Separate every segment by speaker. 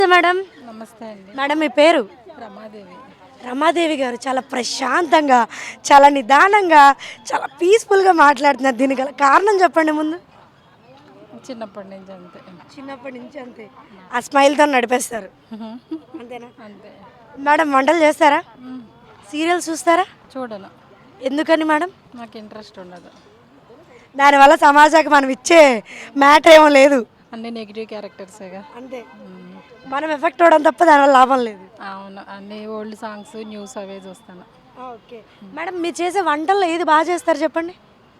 Speaker 1: Madam
Speaker 2: నమస్తే అండి.
Speaker 1: Madam మీ పేరు?
Speaker 2: రమాదేవి.
Speaker 1: రమాదేవి గారు చాలా ప్రశాంతంగా, చాలా నిదానంగా, చాలా పీస్ఫుల్గా మాట్లాడుతున్నారు. దీనికి గల కారణం చెప్పండి ముందు.
Speaker 2: చిన్నప్పటి నుంచి అంతే.
Speaker 1: చిన్నప్పటి నుంచి అంతే, ఆ స్మైల్తో నడిపేస్తారు అంతేనా?
Speaker 2: అంతే.
Speaker 1: మేడం వంటలు చేస్తారా? సీరియల్స్ చూస్తారా?
Speaker 2: చూడను,
Speaker 1: ఎందుకని మేడం?
Speaker 2: నాకు ఇంట్రెస్ట్ ఉండదు.
Speaker 1: దానివల్ల సమాజానికి మనం ఇచ్చే మ్యాటర్ ఏమో లేదు,
Speaker 2: అన్ని నెగిటివ్ క్యారెక్టర్సేగా.
Speaker 1: అంతే. మనం ఎఫెక్ట్ అవ్వడం తప్ప దానివల్ల లాభం లేదు.
Speaker 2: అవును, అన్ని ఓల్డ్ సాంగ్స్ న్యూస్ అవే చూస్తాను.
Speaker 1: ఓకే మేడం, మీరు చేసే వంటల్లో ఏది బాగా చేస్తారు చెప్పండి?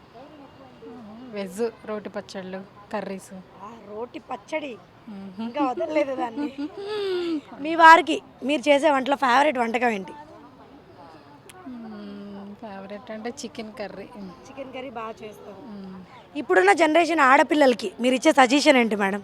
Speaker 2: వెజ్, రోటి పచ్చళ్ళు, కర్రీస్.
Speaker 1: రోటి పచ్చడి ఇంకా వదలలేదు దాన్ని. మీ వారికి మీరు చేసే వంటలో ఫేవరెట్ వంటకం ఏంటి?
Speaker 2: ఫేవరెట్ అంటే చికెన్ కర్రీ.
Speaker 1: చికెన్ కర్రీ బాగా చేస్తారు. ఇప్పుడున్న జనరేషన్ ఆడపిల్లలకి మీరు ఇచ్చే సజెషన్ ఏంటి మేడం?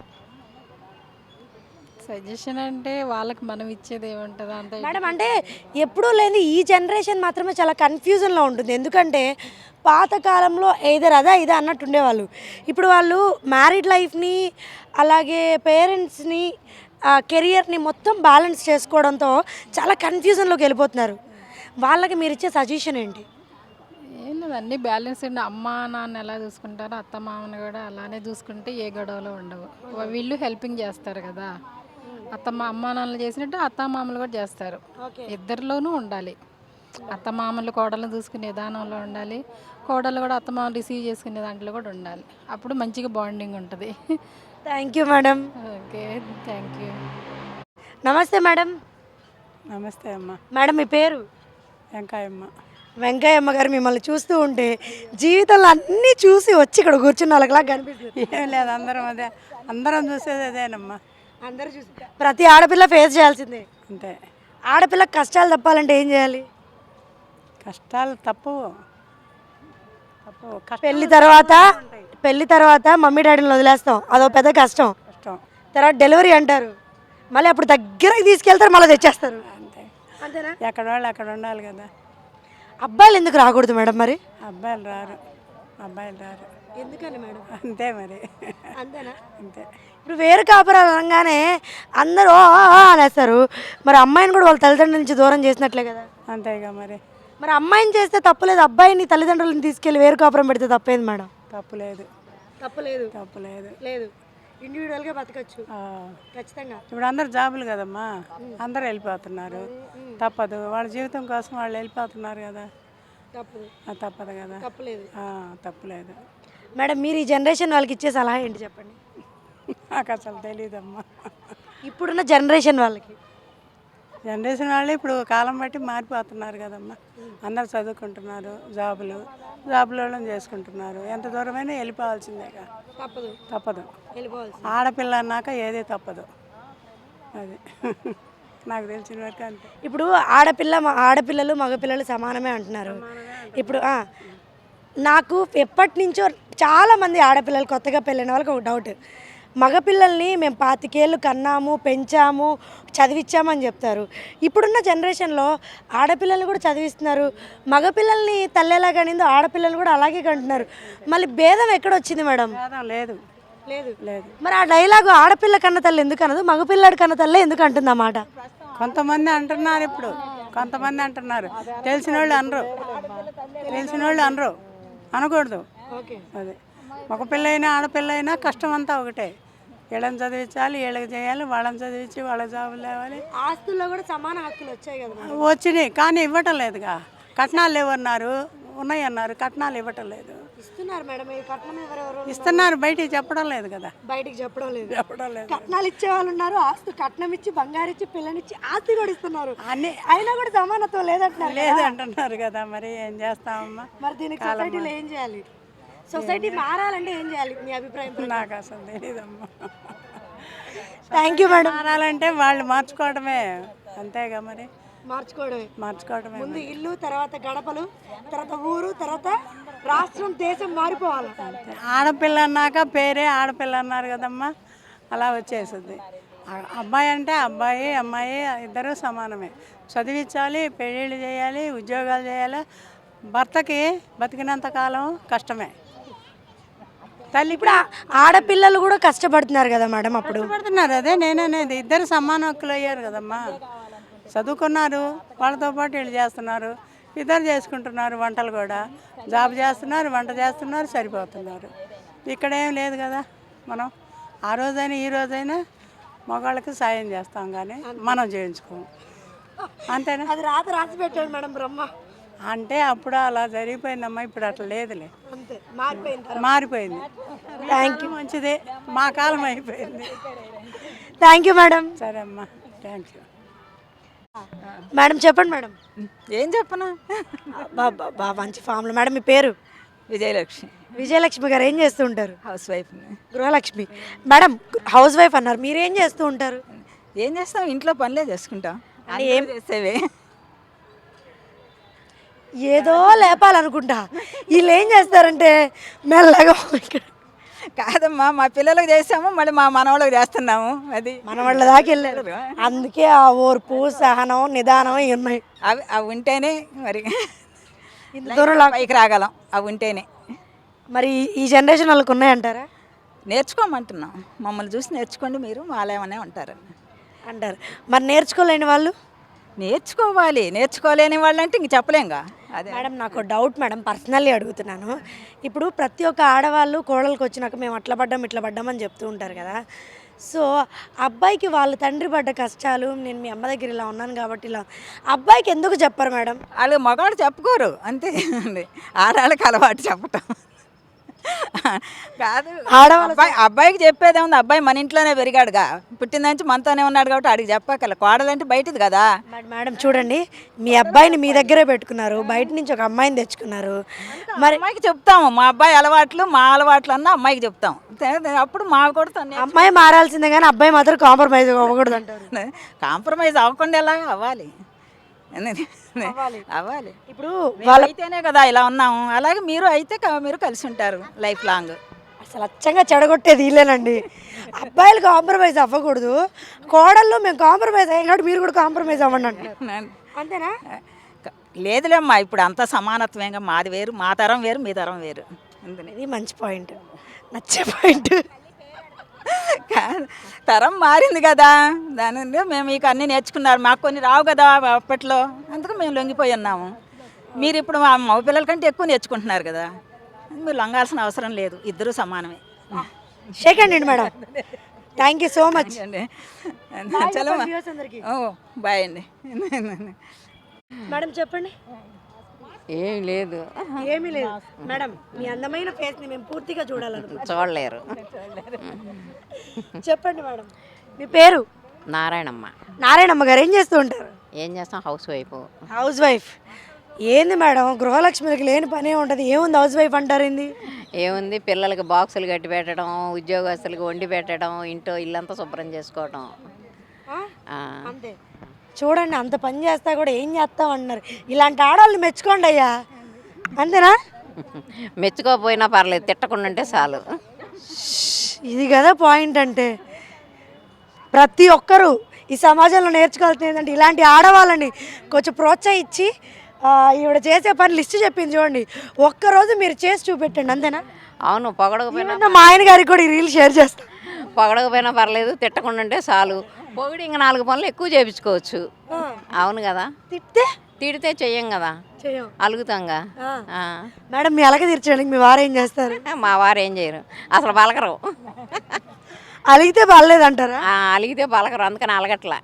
Speaker 2: సజెషన్ అంటే వాళ్ళకి మనం ఇచ్చేది ఏముంటుందో అంత.
Speaker 1: మేడం అంటే ఎప్పుడూ లేని ఈ జనరేషన్ మాత్రమే చాలా కన్ఫ్యూజన్లో ఉంటుంది. ఎందుకంటే పాతకాలంలో ఏదర్ అదా ఇదా అన్నట్టు ఉండేవాళ్ళు. ఇప్పుడు వాళ్ళు మ్యారీడ్ లైఫ్ని అలాగే పేరెంట్స్ని కెరియర్ని మొత్తం బ్యాలెన్స్ చేసుకోవడంతో చాలా కన్ఫ్యూజన్లోకి వెళ్ళిపోతున్నారు. వాళ్ళకి మీరు ఇచ్చే సజెషన్ ఏంటి?
Speaker 2: ఏం లేదు, అన్నీ బ్యాలెన్స్ అండి. అమ్మ నాన్న ఎలా చూసుకుంటారో అత్త మామని కూడా అలానే చూసుకుంటే ఏ గొడవలు ఉండవు. వీళ్ళు హెల్పింగ్ చేస్తారు కదా, అమ్మ నాన్నలు చేసినట్టు అత్త మామలు కూడా చేస్తారు. ఇద్దరిలోనూ ఉండాలి. అత్త మామలు కోడలను చూసుకునే విధానంలో ఉండాలి, కోడలు కూడా అత్త మామలు రిసీవ్ చేసుకునే దాంట్లో కూడా ఉండాలి. అప్పుడు మంచిగా బాండింగ్ ఉంటుంది.
Speaker 1: Thank you madam.
Speaker 2: Okay, thank you.
Speaker 1: నమస్తే మేడం.
Speaker 3: నమస్తే అమ్మ.
Speaker 1: మేడం మీ పేరు?
Speaker 3: వెంకాయమ్మ.
Speaker 1: వెంకయ్యమ్మ గారు, మిమ్మల్ని చూస్తూ ఉంటే జీవితంలో అన్నీ చూసి వచ్చి ఇక్కడ కూర్చున్న వాళ్ళకిలా కనిపిస్తుంది.
Speaker 3: ఏం లేదు, అందరం చూసేది అదేనమ్మా.
Speaker 1: అందరూ చూసి ప్రతి ఆడపిల్ల ఫేస్ చేయాల్సిందే.
Speaker 3: అంతే.
Speaker 1: ఆడపిల్లకి కష్టాలు తప్పాలంటే ఏం చేయాలి?
Speaker 3: కష్టాలు తప్పవు.
Speaker 1: పెళ్లి తర్వాత మమ్మీ డాడీని వదిలేస్తాం, అదో పెద్ద కష్టం. తర్వాత డెలివరీ అంటారు, మళ్ళీ అప్పుడు దగ్గరికి తీసుకెళ్తారు, మళ్ళీ తెచ్చేస్తారు.
Speaker 3: అంతే.
Speaker 1: అంతేనా?
Speaker 3: ఎక్కడ వాళ్ళు అక్కడ ఉండాలి కదా.
Speaker 1: అబ్బాయిలు ఎందుకు రాకూడదు మేడం మరి?
Speaker 3: అబ్బాయిలు రారు.
Speaker 1: ఎందుకని మేడం?
Speaker 3: అంతే మరి.
Speaker 1: అంతేనా?
Speaker 3: అంతే.
Speaker 1: ఇప్పుడు వేరు కాపురాలు అనగానే అందరూ అనేస్తారు. మరి అమ్మాయిని కూడా వాళ్ళ తల్లిదండ్రుల నుంచి దూరం చేసినట్లే కదా.
Speaker 3: అంతేగా మరి.
Speaker 1: మరి అమ్మాయిని చేస్తే తప్పులేదు, అబ్బాయిని తల్లిదండ్రులను తీసుకెళ్ళి వేరు కాపురం పెడితే తప్పేది మేడం?
Speaker 3: తప్పులేదు. లేదు.
Speaker 1: ఇండివిజువల్గా బతకచ్చు ఖచ్చితంగా.
Speaker 3: ఇప్పుడు అందరు జాబులు కదమ్మా, అందరు వెళ్ళిపోతున్నారు. తప్పదు, వాళ్ళ జీవితం కోసం వాళ్ళు వెళ్ళిపోతున్నారు కదా. తప్పదు కదా. తప్పులేదు.
Speaker 1: మేడం మీరు ఈ జనరేషన్ వాళ్ళకి ఇచ్చే సలహా ఏంటి చెప్పండి?
Speaker 3: నాకు అసలు తెలియదమ్మా.
Speaker 1: ఇప్పుడున్న జనరేషన్
Speaker 3: వాళ్ళు ఇప్పుడు కాలం బట్టి మారిపోతున్నారు కదమ్మా. అందరు చదువుకుంటున్నారు, జాబులలో చేసుకుంటున్నారు. ఎంత దూరమైనా వెళ్ళిపోవాల్సిందేగా. తప్పదు. ఆడపిల్ల అన్నాక ఏది తప్పదు. అది నాకు తెలిసిన వరకు అంతే.
Speaker 1: ఇప్పుడు ఆడపిల్లలు మగపిల్లలు సమానమే అంటున్నారు. ఇప్పుడు నాకు ఎప్పటి నుంచో చాలామంది ఆడపిల్లలు కొత్తగా పెళ్ళైన వాళ్ళకి ఒక డౌట్, మగపిల్లల్ని మేము 25 ఏళ్ళు కన్నాము, పెంచాము, చదివించామని చెప్తారు. ఇప్పుడున్న జనరేషన్లో ఆడపిల్లల్ని కూడా చదివిస్తున్నారు, మగపిల్లల్ని తల్లేలా కనిందో ఆడపిల్లలు కూడా అలాగే కంటున్నారు. మళ్ళీ భేదం ఎక్కడొచ్చింది మేడం?
Speaker 3: లేదు.
Speaker 1: మరి ఆ డైలాగు ఆడపిల్ల కన్న తల్లి ఎందుకు అనదు, మగపిల్లాడి కన్న తల్లి ఎందుకు అంటుంది అన్నమాట?
Speaker 3: కొంతమంది అంటున్నారు, తెలిసిన వాళ్ళు అనరు, అనకూడదు. అదే ఒక పిల్ల అయినా ఆడపిల్ల అయినా కష్టం అంతా ఒకటే. వీళ్ళని చదివించాలి, వీళ్ళకి చేయాలి, వాళ్ళని చదివించి వాళ్ళ జాబులు లేవాలి.
Speaker 1: ఆస్తుల్లో కూడా సమాన హక్కులు వచ్చాయి కదా.
Speaker 3: వచ్చినాయి కానీ ఇవ్వటం లేదుగా. కట్నాలు లేవన్నారు, ఉన్నాయన్నారు, కట్నాలు ఇవ్వటం లేదు.
Speaker 1: ఇస్తున్నారు మేడం,
Speaker 3: ఇస్తున్నారు, బయటికి చెప్పడం లేదు కదా.
Speaker 1: చెప్పడం లేదు. కట్నాలు ఇచ్చే వాళ్ళు ఉన్నారు, ఆస్తి కట్నం ఇచ్చి బంగారు ఇచ్చి పిల్లనిచ్చి ఆస్తి కూడా ఇస్తున్నారు.
Speaker 3: అన్ని
Speaker 1: అయినా కూడా సమానత్వం
Speaker 3: లేదంటున్నారు కదా. మరి ఏం చేస్తామమ్మా?
Speaker 1: మరి దీనికి సొసైటీలో ఏం చేయాలి? సొసైటీ మారాలంటే ఏం చేయాలి మీ అభిప్రాయం?
Speaker 3: నాకు అసలు తెలియదమ్మా.
Speaker 1: Thank you madam.
Speaker 3: మారాలంటే వాళ్ళు మార్చుకోవడమే, అంతేగా మరి.
Speaker 1: మార్చుకోవడమే. ముందు ఇల్లు, తర్వాత గడపలు, తర్వాత ఊరు, తర్వాత రాష్ట్రం, దేశం మారిపోవాలి.
Speaker 3: ఆడపిల్ల అన్నాక పేరే ఆడపిల్ల అన్నారు కదమ్మా, అలా వచ్చేస్తుంది. అబ్బాయి అంటే అబ్బాయి, అమ్మాయి ఇద్దరూ సమానమే. చదివించాలి, పెళ్ళిళ్ళు చేయాలి, ఉద్యోగాలు చేయాలి. భర్తకి బతికినంత కాలం కష్టమే. తల్లి
Speaker 1: ఇప్పుడు ఆడపిల్లలు కూడా కష్టపడుతున్నారు కదా మేడం అప్పుడు.
Speaker 3: పడుతున్నారు. అదే నేననేది, ఇద్దరు సమాన హక్కులు అయ్యారు కదమ్మా. చదువుకున్నారు, వాళ్ళతో పాటు వీళ్ళు చేస్తున్నారు, ఇద్దరు చేసుకుంటున్నారు. వంటలు కూడా జాబ్ చేస్తున్నారు, వంట చేస్తున్నారు, సరిపోతున్నారు. ఇక్కడ ఏం లేదు కదా. మనం ఆ రోజైనా ఈ రోజైనా మగవాళ్ళకి సాయం చేస్తాం కానీ మనం చేయించుకోము, అంతేనా?
Speaker 1: అది రాసి పెట్టాడు మేడం బ్రహ్మ.
Speaker 3: అంటే అప్పుడు అలా జరిగిపోయిందమ్మా, ఇప్పుడు అట్లా లేదులే,
Speaker 1: అంతే మారిపోయింది.
Speaker 3: మారిపోయింది. థ్యాంక్ యూ, మంచిదే, మా కాలం అయిపోయింది.
Speaker 1: Thank you madam.
Speaker 3: సరే అమ్మా, థ్యాంక్ యూ.
Speaker 1: మేడం చెప్పండి మేడం.
Speaker 4: ఏం చెప్పను.
Speaker 1: బా మంచి ఫామ్లో. మేడం మీ పేరు?
Speaker 4: విజయలక్ష్మి.
Speaker 1: విజయలక్ష్మి గారు ఏం చేస్తూ ఉంటారు?
Speaker 4: హౌస్ వైఫ్ని.
Speaker 1: గృహలక్ష్మి. మేడం హౌస్ వైఫ్ అన్నారు, మీరేం చేస్తూ ఉంటారు?
Speaker 4: ఏం చేస్తాం, ఇంట్లో పనులే చేసుకుంటాం. ఏం చేసేవే,
Speaker 1: ఏదో లేపాలనుకుంటా. వీళ్ళు ఏం చేస్తారంటే మెల్లగా
Speaker 4: కాదమ్మా, మా పిల్లలకు చేసాము, మళ్ళీ మా మనవాళ్ళకి చేస్తున్నాము. అది
Speaker 1: మన వాళ్ళ దాకా వెళ్ళారు. అందుకే ఆ ఓర్పు, సహనం, నిదానం ఇవి ఉన్నాయి.
Speaker 4: అవి ఉంటేనే మరి
Speaker 1: ఇంత దూరం
Speaker 4: పైకి రాగలం. అవి ఉంటేనే.
Speaker 1: మరి ఈ జనరేషన్ వాళ్ళకి ఉన్నాయంటారా?
Speaker 4: నేర్చుకోమంటున్నాం, మమ్మల్ని చూసి నేర్చుకోండి మీరు, వాళ్ళేమనే ఉంటారు
Speaker 1: అంటారు. మరి నేర్చుకోలేని వాళ్ళు?
Speaker 4: నేర్చుకోవాలి. నేర్చుకోలేని వాళ్ళంటే ఇంక చెప్పలేంగా. అదే
Speaker 1: మేడం నాకు డౌట్ మేడం, పర్సనల్లీ అడుగుతున్నాను. ఇప్పుడు ప్రతి ఒక్క ఆడవాళ్ళు కోడలకు వచ్చినాక మేము అట్లా పడ్డాం ఇట్లా పడ్డాం అని చెప్తూ ఉంటారు కదా. సో అబ్బాయికి వాళ్ళ తండ్రి పడ్డ కష్టాలు, నేను మీ అమ్మ దగ్గర ఇలా ఉన్నాను కాబట్టి ఇలా, అబ్బాయికి ఎందుకు చెప్పరు మేడం?
Speaker 4: వాళ్ళు మగవాడు చెప్పుకోరు అంతే. ఆడవాళ్ళకి అలవాటు చెప్పటం కాదు. అబ్బాయికి చెప్పేదే ఉంది. అబ్బాయి మన ఇంట్లోనే పెరిగాడుగా, పుట్టిన నుంచి మనతోనే ఉన్నాడు కాబట్టి ఆడికి చెప్పక్కల. కోడలంటే బయటది కదా.
Speaker 1: మేడం చూడండి, మీ అబ్బాయిని మీ దగ్గరే పెట్టుకున్నారు, బయట నుంచి ఒక అమ్మాయిని తెచ్చుకున్నారు. మరి
Speaker 4: అమ్మాయికి చెప్తాము, మా అబ్బాయి అలవాట్లు మా అలవాట్లు అన్న అమ్మాయికి చెప్తాం. అప్పుడు మా కూడా
Speaker 1: అమ్మాయి మారాల్సిందే కానీ అబ్బాయి మాత్రం కాంప్రమైజ్ అవ్వకూడదు అంటారు.
Speaker 4: కాంప్రమైజ్ అవ్వకుండా ఎలా అవ్వాలి, అవ్వాలి.
Speaker 1: ఇప్పుడు
Speaker 4: అయితేనే కదా ఇలా ఉన్నాము. అలాగే మీరు అయితే మీరు కలిసి ఉంటారు లైఫ్ లాంగ్.
Speaker 1: అసలు అచ్చంగా చెడగొట్టేది వీళ్ళేనండి. అబ్బాయిలు కాంప్రమైజ్ అవ్వకూడదు, కోడళ్ళు మేము కాంప్రమైజ్ అయ్యాం కాబట్టి మీరు కూడా కాంప్రమైజ్ అవ్వండి అంటే అంతేనా?
Speaker 4: లేదులేమ్మా, ఇప్పుడు అంతా సమానత్వంగా. మాది వేరు, మా తరం వేరు, మీ తరం వేరు.
Speaker 1: ఇది మంచి పాయింట్, నచ్చే పాయింట్.
Speaker 4: తరం మారింది కదా, దాని నుండి మేము మీకు అన్నీ నేర్చుకున్నారు, మాకు కొన్ని రావు కదా అప్పట్లో, అందుకు మేము లొంగిపోయి ఉన్నాము. మీరు ఇప్పుడు మా మగ పిల్లల కంటే ఎక్కువ నేర్చుకుంటున్నారు కదా, మీరు లొంగాల్సిన అవసరం లేదు, ఇద్దరూ సమానమే.
Speaker 1: Shake hand madam, thank you so much
Speaker 4: అండి. చలో బాయ్ అండి.
Speaker 1: మేడం చెప్పండి.
Speaker 5: ఏం లేదు,
Speaker 1: ఏమీ లేదు మేడం, మీ అందమైన ఫేస్ని మేము పూర్తిగా చూడాలనుకుంటున్నాం.
Speaker 5: చూడలేరు.
Speaker 1: చెప్పండి మేడం మీ పేరు?
Speaker 5: నారాయణమ్మ.
Speaker 1: నారాయణమ్మ గారు ఏం చేస్తూ ఉంటారు?
Speaker 5: ఏం చేస్తాం, హౌస్ వైఫ్.
Speaker 1: Housewife. ఏంది మేడం, గృహలక్ష్మికి లేని పనే ఉంటుంది, ఏముంది హౌస్ వైఫ్ అంటారు? ఏంది
Speaker 5: ఏముంది, పిల్లలకి బాక్సులు కట్టి పెట్టడం, ఉద్యోగస్తులకి వండి పెట్టడం, ఇంట్లో ఇల్లంతా శుభ్రం చేసుకోవడం.
Speaker 1: అంతే. చూడండి అంత పని చేస్తా కూడా ఏం చేస్తాం అంటున్నారు. ఇలాంటి ఆడవాళ్ళు మెచ్చుకోండి అయ్యా, అంతేనా?
Speaker 5: మెచ్చుకోకపోయినా పర్లేదు, తిట్టకుండా ఉంటే చాలు.
Speaker 1: ఇది కదా పాయింట్ అంటే. ప్రతి ఒక్కరూ ఈ సమాజంలో నేర్చుకోవాల్సింది ఏంటంటే ఇలాంటి ఆడవాళ్ళని కొంచెం ప్రోత్సహించి ఈవిడ చేసే పని లిస్ట్ చెప్పింది చూడండి, ఒక్కరోజు మీరు చేసి చూపెట్టండి, అంతేనా?
Speaker 5: అవును, పొగడకపోయినా
Speaker 1: మా ఆయన గారికి కూడా ఈ రీల్ షేర్ చేస్తాను.
Speaker 5: పొగడకపోయినా పర్లేదు, తిట్టకుండా ఉంటే చాలు. పొగిడి ఇంకా 4 పనులు ఎక్కువ చేయించుకోవచ్చు. అవును కదా. తిడితే చెయ్యం కదా, అలుగుతాంగా.
Speaker 1: మేడం మీ అలగ తీర్చడానికి మీ వారు ఏం చేస్తారు?
Speaker 5: మా వారు ఏం చేయరు, అసలు పలకరు.
Speaker 1: అలిగితే పర్లేదంటారా?
Speaker 5: అలిగితే పలకరు, అందుకని అలగట్లా.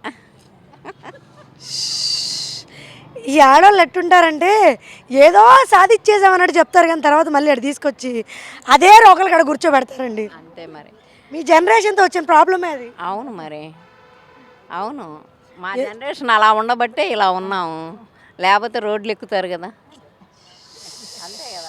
Speaker 1: ఈ ఆడవాళ్ళు ఎట్టుంటారంటే ఏదో సాధించేసామన్నట్టు చెప్తారు కానీ తర్వాత మళ్ళీ అక్కడ తీసుకొచ్చి అదే రోకలు కాడ కూర్చోబెడతారండి.
Speaker 5: అంతే మరి,
Speaker 1: మీ జనరేషన్తో వచ్చిన ప్రాబ్లమే అది.
Speaker 5: అవును మరి, అవును. మా జనరేషన్ అలా ఉండబట్టే ఇలా ఉన్నాము, లేకపోతే రోడ్లు ఎక్కుతారు కదా. అంతే కదా.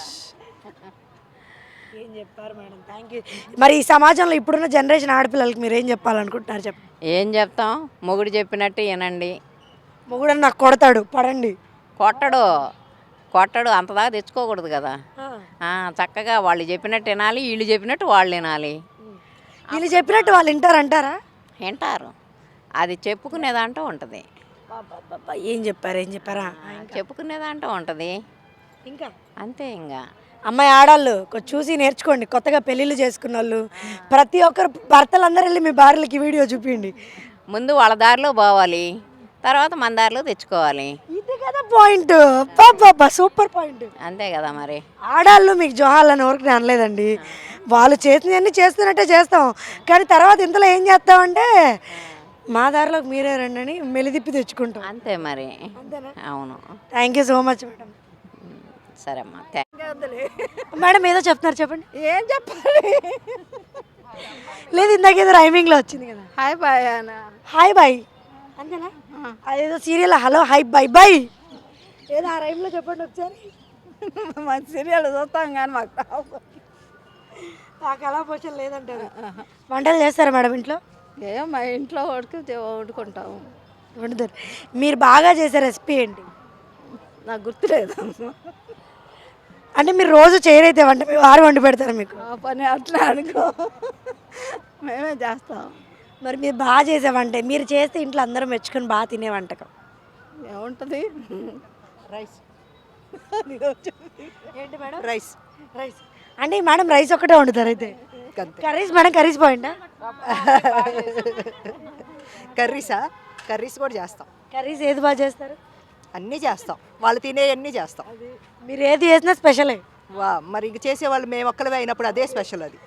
Speaker 1: ఏం చెప్పారు మేడం, థ్యాంక్ యూ. మరి ఈ సమాజంలో ఇప్పుడున్న జనరేషన్ ఆడపిల్లలకి మీరు ఏం చెప్పాలనుకుంటున్నారు?
Speaker 5: ఏం చెప్తాం, మొగుడు చెప్పినట్టు వినండి.
Speaker 1: మొగుడని నాకు కొడతాడు, పడండి.
Speaker 5: కొట్టడు అంతదాకా తెచ్చుకోకూడదు కదా. చక్కగా వాళ్ళు చెప్పినట్టు వినాలి, వీళ్ళు చెప్పినట్టు వాళ్ళు వినాలి.
Speaker 1: వీళ్ళు చెప్పినట్టు వాళ్ళు వింటారంటారా?
Speaker 5: వింటారు, అది చెప్పుకునేదాంటూ ఉంటుంది.
Speaker 1: ఏం చెప్పారా?
Speaker 5: చెప్పుకునేదాంటూ ఉంటుంది
Speaker 1: ఇంకా
Speaker 5: అంతే. ఇంకా
Speaker 1: అమ్మాయి ఆడాళ్ళు కొంచెం చూసి నేర్చుకోండి. కొత్తగా పెళ్ళిళ్ళు చేసుకున్న వాళ్ళు ప్రతి ఒక్కరు భర్తలందరూ వెళ్ళి మీ భార్యలకి వీడియో చూపించండి.
Speaker 5: ముందు వాళ్ళ దారిలో పోవాలి, తర్వాత మన దారిలో తెచ్చుకోవాలి.
Speaker 1: ఇది కదా పాయింట్. బాబా సూపర్ పాయింట్.
Speaker 5: అంతే కదా మరి.
Speaker 1: ఆడాళ్ళు మీకు జోహాలని ఎవరికి నేను అనలేదండి. వాళ్ళు చేసినవన్నీ చేస్తున్నట్టే చేస్తాం, కానీ తర్వాత ఇంతలో ఏం చేస్తామంటే మా దారిలోకి మీరే రండి అని మెలిదిప్పి తెచ్చుకుంటాం.
Speaker 5: అంతే మరి. అవును.
Speaker 1: Thank you so much madam.
Speaker 5: సరే అమ్మా.
Speaker 1: మేడం ఏదో చెప్తున్నారు, చెప్పండి.
Speaker 3: ఏం చెప్పాలి?
Speaker 1: లేదు ఇందాక ఏదో రైమింగ్లో వచ్చింది కదా,
Speaker 3: హాయ్ బాయ్ అన్న.
Speaker 1: హాయ్ బాయ్ అంతేనా? అదేదో serial hello hi bye bye ఏదో ఆ రైమ్లో చెప్పండి ఒకసారి.
Speaker 3: మంచి సీరియల్ చూస్తాం కానీ మాకు రావు.
Speaker 1: ఆ కళాపోషణ లేదంటారు. వంటలు చేస్తారా మేడం ఇంట్లో?
Speaker 3: మా ఇంట్లో వండుకుంటాము.
Speaker 1: వండుతారు. మీరు బాగా చేసే రెసిపీ ఏంటి?
Speaker 3: నాకు గుర్తులేదు.
Speaker 1: అంటే మీరు రోజు చేయరైతే వంట మీ వారు వండి పెడతారు మీకు?
Speaker 3: ఆ పని అట్లా అనుకో, మేమే చేస్తాం.
Speaker 1: మరి మీరు బాగా చేసే వంట, మీరు చేస్తే ఇంట్లో అందరూ మెచ్చుకొని బాగా తినే వంటకం
Speaker 3: ఏముంటుంది? రైస్.
Speaker 1: ఏంటి మేడం?
Speaker 3: రైస్.
Speaker 1: రైస్ అంటే మేడం రైస్ ఒక్కటే వండుతారు అయితే? కర్రీస్ మేడం, కర్రీస్ పాయింటా?
Speaker 6: కర్రీసా? కర్రీస్ కూడా చేస్తాం.
Speaker 1: కర్రీస్ ఏది బాగా చేస్తారు?
Speaker 6: అన్నీ చేస్తాం, వాళ్ళు తినే అన్నీ చేస్తాం.
Speaker 1: మీరు ఏది చేసినా స్పెషలే.
Speaker 6: మరి ఇంక చేసేవాళ్ళు మేము ఒక్కలవే అయినప్పుడు అదే స్పెషల్. అది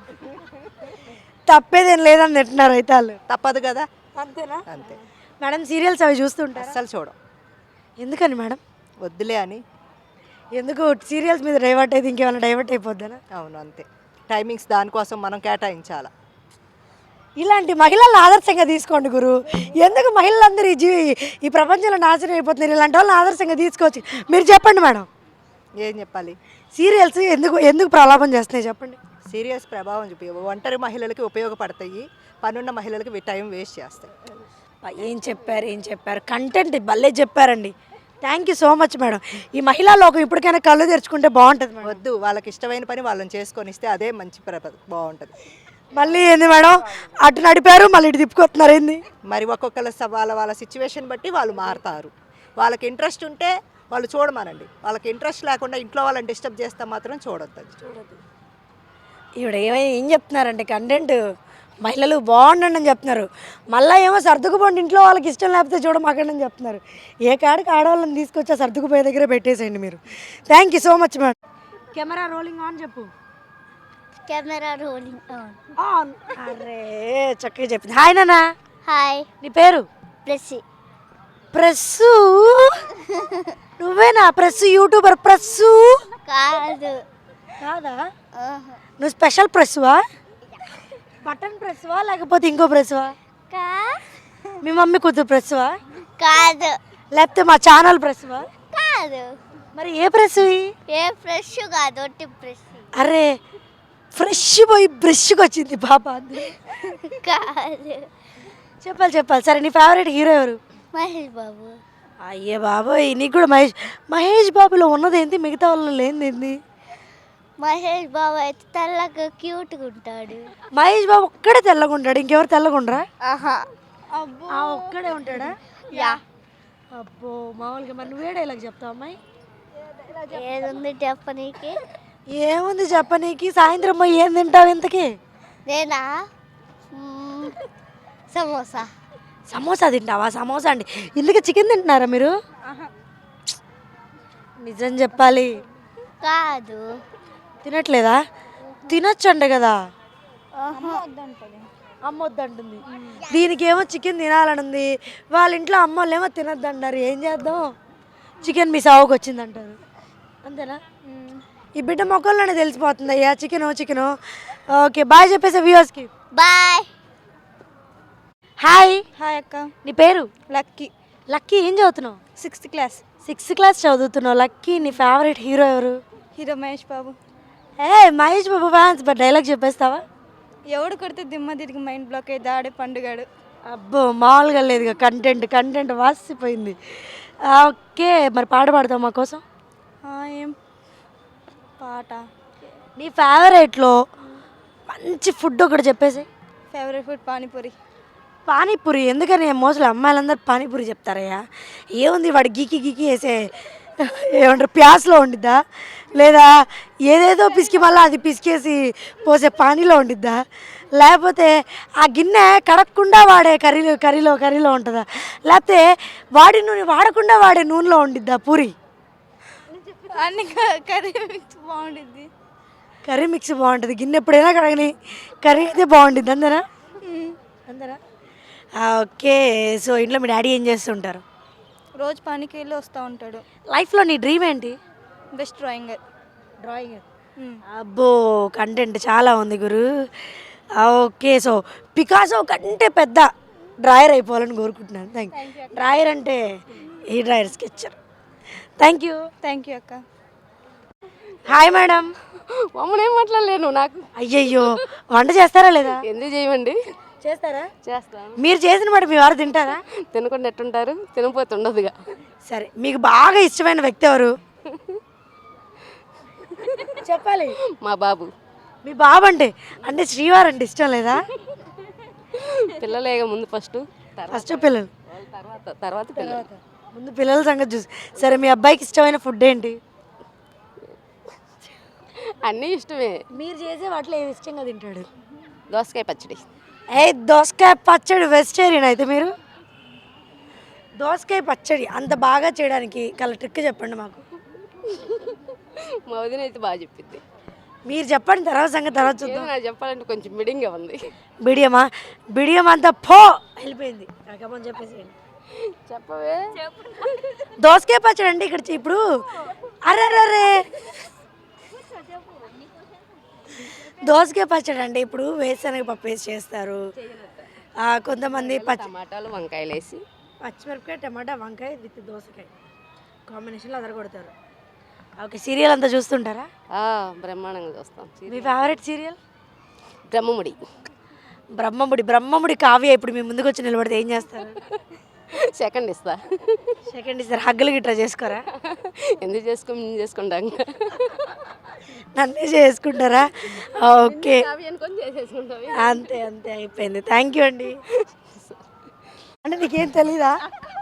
Speaker 1: తప్పేదేం లేదని తింటున్నారు అయితే వాళ్ళు.
Speaker 6: తప్పదు కదా.
Speaker 1: అంతేనా?
Speaker 6: అంతే.
Speaker 1: మేడం సీరియల్స్ అవి చూస్తుంటారు?
Speaker 6: అస్సలు చూడం.
Speaker 1: ఎందుకని మేడం?
Speaker 6: వద్దులే అని.
Speaker 1: ఎందుకు సీరియల్స్ మీద డైవర్ట్ అయితే ఇంకేమైనా డైవర్ట్ అయిపోద్దానా?
Speaker 6: అవును అంతే. టైమింగ్స్ దానికోసం మనం కేటాయించాలి.
Speaker 1: ఇలాంటి మహిళలను ఆదర్శంగా తీసుకోండి గురు. ఎందుకు మహిళలందరూ ఈ ప్రపంచంలో నాశనం అయిపోతున్నారు? ఇలాంటి వాళ్ళని ఆదర్శంగా తీసుకోవచ్చు. మీరు చెప్పండి మేడం,
Speaker 6: ఏం చెప్పాలి?
Speaker 1: సీరియల్స్ ఎందుకు ప్రలాపం చేస్తున్నాయి చెప్పండి.
Speaker 6: సీరియస్ ప్రభావం చూపి ఒంటరి మహిళలకి ఉపయోగపడతాయి, పనున్న మహిళలకి టైం వేస్ట్ చేస్తాయి.
Speaker 1: ఏం చెప్పారు కంటెంట్ భలే చెప్పారండి. Thank you so much madam. ఈ మహిళా లోకం ఇప్పటికైనా కళ్ళు తెరుచుకుంటే బాగుంటుంది మేడం.
Speaker 6: వద్దు, వాళ్ళకి ఇష్టమైన పని వాళ్ళని చేసుకొని ఇస్తే అదే మంచి బాగుంటుంది.
Speaker 1: మళ్ళీ ఏంది మేడం అటు నడిపారు మళ్ళీ ఇటు తిప్పుకొస్తున్నారు ఏంది?
Speaker 6: మరి ఒక్కొక్కళ్ళ వాళ్ళ సిచ్యువేషన్ బట్టి వాళ్ళు మారుతారు. వాళ్ళకి ఇంట్రెస్ట్ ఉంటే వాళ్ళు చూడమనండి, వాళ్ళకి ఇంట్రెస్ట్ లేకుండా ఇంట్లో వాళ్ళని డిస్టర్బ్ చేస్తే మాత్రం చూడొద్దు.
Speaker 1: ఈవిడ ఏం చెప్తున్నారంటే కంటెంట్ మహిళలు బాగుండండి అని చెప్తున్నారు. మళ్ళీ ఏమో సర్దుకుపోండి ఇంట్లో వాళ్ళకి ఇష్టం లేకపోతే చూడమాకండి అని చెప్తున్నారు. ఏ కాడికి ఆడవాళ్ళని తీసుకొచ్చి సర్దుకుపోయే దగ్గర పెట్టేసేయండి మీరు. Thank you so much madam. Camera rolling on చెప్పు.
Speaker 7: Camera rolling on.
Speaker 1: ఆన్. అరే చక్కగా చెప్పింది. హాయ్ నాన్న.
Speaker 7: హాయ్.
Speaker 1: నీ పేరు?
Speaker 7: ప్రెస్సి.
Speaker 1: ప్రెస్సు? నువ్వేనా ప్రెస్సు యూట్యూబర్? ప్రెస్సు
Speaker 7: కాదు.
Speaker 1: కాదా? నువ్వు స్పెషల్ ప్రెస్సువా? బటన్ ప్రెస్వా లేకపోతే ఇంకో ప్రెస్వా? మీ మమ్మీ కూతురు ప్రెస్వా?
Speaker 7: కాదు.
Speaker 1: లేకపోతే మా ఛానల్ ప్రెస్వా?
Speaker 7: కాదు.
Speaker 1: మరి ఏ ప్రెస్?
Speaker 7: ఏ ఫ్రెష్ కాదు, ఒట్టి ప్రెస్.
Speaker 1: అరే ఫ్రెష్ పోయి బ్రష్కి వచ్చింది పాప.
Speaker 7: కాదు.
Speaker 1: చెప్పాలి. సరే నీ ఫేవరెట్ హీరో ఎవరు?
Speaker 7: మహేష్ బాబు.
Speaker 1: అయ్యే బాబోయ్, నీకు కూడా మహేష్ బాబులో ఉన్నది ఏంటి, మిగతా వాళ్ళు లేనిది?
Speaker 7: మహేష్ బాబు అయితే తెల్లగా క్యూట్గా ఉంటాడు.
Speaker 1: మహేష్ బాబు ఒక్కడే తెల్లగా ఉంటాడు, ఇంకెవరు తెల్లగా ఉండరా?
Speaker 7: ఆహా.
Speaker 1: ఒక్కడే ఉంటాడా?
Speaker 7: యా.
Speaker 1: అబ్బో మామూలుగా. మరి నువ్వే డైలాగ్ చెప్తావు అమ్మాయి?
Speaker 7: ఏదుంది చెప్పనీకి?
Speaker 1: ఏముంది చెప్పనీకి? సాయంత్రం పోయి ఏం తింటావు ఇంతకీ?
Speaker 7: నేనా? సమోసా.
Speaker 1: సమోసా తింటావా? సమోసా అండి. ఇందుకే చికెన్ తింటున్నారా మీరు? నిజం చెప్పాలి.
Speaker 7: కాదు.
Speaker 1: తినట్లేదా? తినొచ్చండి కదా. అమ్మ వద్దంటుంది. దీనికేమో చికెన్ తినాలని ఉంది, వాళ్ళ ఇంట్లో అమ్మోళ్ళేమో తినొద్దంటారు. ఏం చేద్దాం? చికెన్ మీ సావుకు వచ్చిందంటారు. అంతేనా? ఈ బిడ్డ మొక్కల్లోనే తెలిసిపోతుంది అయ్యా చికెను. ఓకే బాయ్ చెప్పేసా వ్యూవర్స్కి.
Speaker 7: బాయ్.
Speaker 1: హాయ్.
Speaker 8: హాయ్ అక్క.
Speaker 1: నీ పేరు?
Speaker 8: లక్కీ.
Speaker 1: లక్కీ ఏం చదువుతున్నావు?
Speaker 8: 6th class.
Speaker 1: 6th క్లాస్ చదువుతున్నావు. లక్కీ నీ ఫేవరెట్ హీరో ఎవరు?
Speaker 8: Hero Mahesh Babu.
Speaker 1: Mahesh Babu fans. But dialogue చెప్పేస్తావా?
Speaker 8: ఎవడు కొడితే దిమ్మ తిరిగి మైండ్ బ్లాక్ అయ్యి దాడే పండుగాడు.
Speaker 1: అబ్బో మామూలుగా లేదుగా. కంటెంట్ వాసిపోయింది. ఓకే మరి పాట పాడతావు మా కోసం?
Speaker 8: ఏం పాట?
Speaker 1: నీ ఫేవరెట్లో మంచి ఫుడ్ ఒకటి చెప్పేసి.
Speaker 8: Favourite food panipuri.
Speaker 1: పానీపూరి ఎందుకని మోస్ట్లీ అమ్మాయిలందరూ పానీపూరి చెప్తారయ్యా. ఏముంది వాడు గీకి వేసే ఏమంటారు ప్యాస్లో ఉండిద్దా, లేదా ఏదేదో పిసికి మళ్ళీ అది పిసికేసి పోసే పానీలో ఉండిద్దా, లేకపోతే ఆ గిన్నె కడగకుండా వాడే కర్రీలో ఉంటుందా, లేకపోతే వాడి నూనె వాడకుండా వాడే నూనెలో ఉండిద్దా పూరి?
Speaker 8: అన్ని కర్రీ మిక్స్ బాగుంటుంది.
Speaker 1: కర్రీ మిక్స్ బాగుంటుంది, గిన్నె ఎప్పుడైనా కడగని కర్రీ అయితే బాగుంటుంది అందరా అందరా? ఓకే. సో ఇంట్లో మీ డాడీ ఏం చేస్తుంటారు?
Speaker 8: రోజు పనికి వెళ్ళి వస్తూ ఉంటాడు.
Speaker 1: లైఫ్లో నీ డ్రీమ్ ఏంటి?
Speaker 8: బెస్ట్ డ్రాయింగర్.
Speaker 1: డ్రాయింగ్. అబ్బో కంటెంట్ చాలా ఉంది గురు. ఓకే. సో పికాసో కంటే పెద్ద డ్రాయర్ అయిపోవాలని కోరుకుంటున్నాను. డ్రాయర్ అంటే ఈ డ్రాయర్ స్కెచ్చర్. థ్యాంక్ యూ
Speaker 8: అక్క.
Speaker 1: Hi madam.
Speaker 9: మమ్మల్ని ఏం మాట్లాడలేను నాకు.
Speaker 1: అయ్యయ్యో వంట చేస్తారా లేదా?
Speaker 9: ఎందుకు చేయమండి?
Speaker 1: చేస్తారా?
Speaker 9: చేస్తాను.
Speaker 1: మీరు చేసిన మాట మీ వారు తింటారా?
Speaker 9: తినకుండా ఎట్టుంటారు, తినపోతే ఉండదుగా.
Speaker 1: సరే మీకు బాగా ఇష్టమైన వ్యక్తి ఎవరు చెప్పాలి?
Speaker 9: మా బాబు.
Speaker 1: మీ బాబు అంటే శ్రీవారు అంటే ఇష్టం లేదా?
Speaker 9: పిల్లలేగా ముందు ఫస్ట్
Speaker 1: పిల్లలు
Speaker 9: తర్వాత పిల్లలు.
Speaker 1: ముందు పిల్లల సంగతి చూసి. సరే మీ అబ్బాయికి ఇష్టమైన ఫుడ్ ఏంటి?
Speaker 9: అన్నీ ఇష్టమే.
Speaker 1: మీరు చేసే వాటిలో ఏమి ఇష్టంగా తింటాడు?
Speaker 9: దోసకాయ పచ్చడి.
Speaker 1: దోసకాయ పచ్చడి వెజిటేరియన్ అయితే మీరు? దోసకాయ పచ్చడి అంత బాగా చేయడానికి ట్రిక్ చెప్పండి మాకు.
Speaker 9: మా వదిన అయితే బాగా చెప్పింది.
Speaker 1: మీరు చెప్పండి, తర్వాత సంగతి తర్వాత చూద్దాం.
Speaker 9: నాకు చెప్పాలంటే కొంచెం మిడింగ్గా ఉంది.
Speaker 1: బిడియం అంతా వెళ్ళిపోయింది. నాకేమని చెప్పేసి
Speaker 9: చెప్పవే.
Speaker 1: దోసకాయ పచ్చడి అంటే ఇక్కడ ఇప్పుడు అరే దోసకాయ పచ్చడి అంటే ఇప్పుడు వేరుశనగ పప్పు వేసి చేస్తారు. కొంతమంది
Speaker 9: టమాటాలు వంకాయలు వేసి,
Speaker 1: పచ్చిమిరపకాయ టమాటా వంకాయ విత్ దోసకాయ కాంబినేషన్లో అదరగొడతారు. ఓకే. సీరియల్ అంతా చూస్తుంటారా?
Speaker 9: బ్రహ్మాండంగా చూస్తాం.
Speaker 1: మీ ఫేవరెట్ సీరియల్?
Speaker 9: బ్రహ్మముడి.
Speaker 1: కావ్య ఇప్పుడు మీ ముందుకు వచ్చి నిలబడితే ఏం చేస్తారు?
Speaker 9: సెకండ్ ఇస్తా.
Speaker 1: హగ్గులు గిట్రా చేసుకోరా?
Speaker 9: ఎందుకు చేసుకుంటాం.
Speaker 1: నన్నే చేసుకుంటారా? ఓకే.
Speaker 9: చేసేసుకుంటాం.
Speaker 1: అంతే అయిపోయింది. థ్యాంక్ యూ అండి. అంటే నీకేం తెలీదా?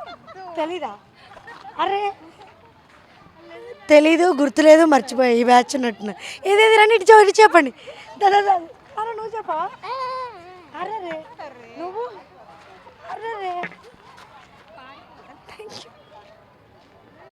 Speaker 1: అరే తెలీదు, గుర్తులేదు, మర్చిపోయా. ఈ బ్యాచ్ ఉన్నట్టున్నా. ఏదేది రండి ఇటు చెప్పండి. దాదా అరే నువ్వు చెప్పా? అరే నువ్వు? అరే థ్యాంక్ యూ.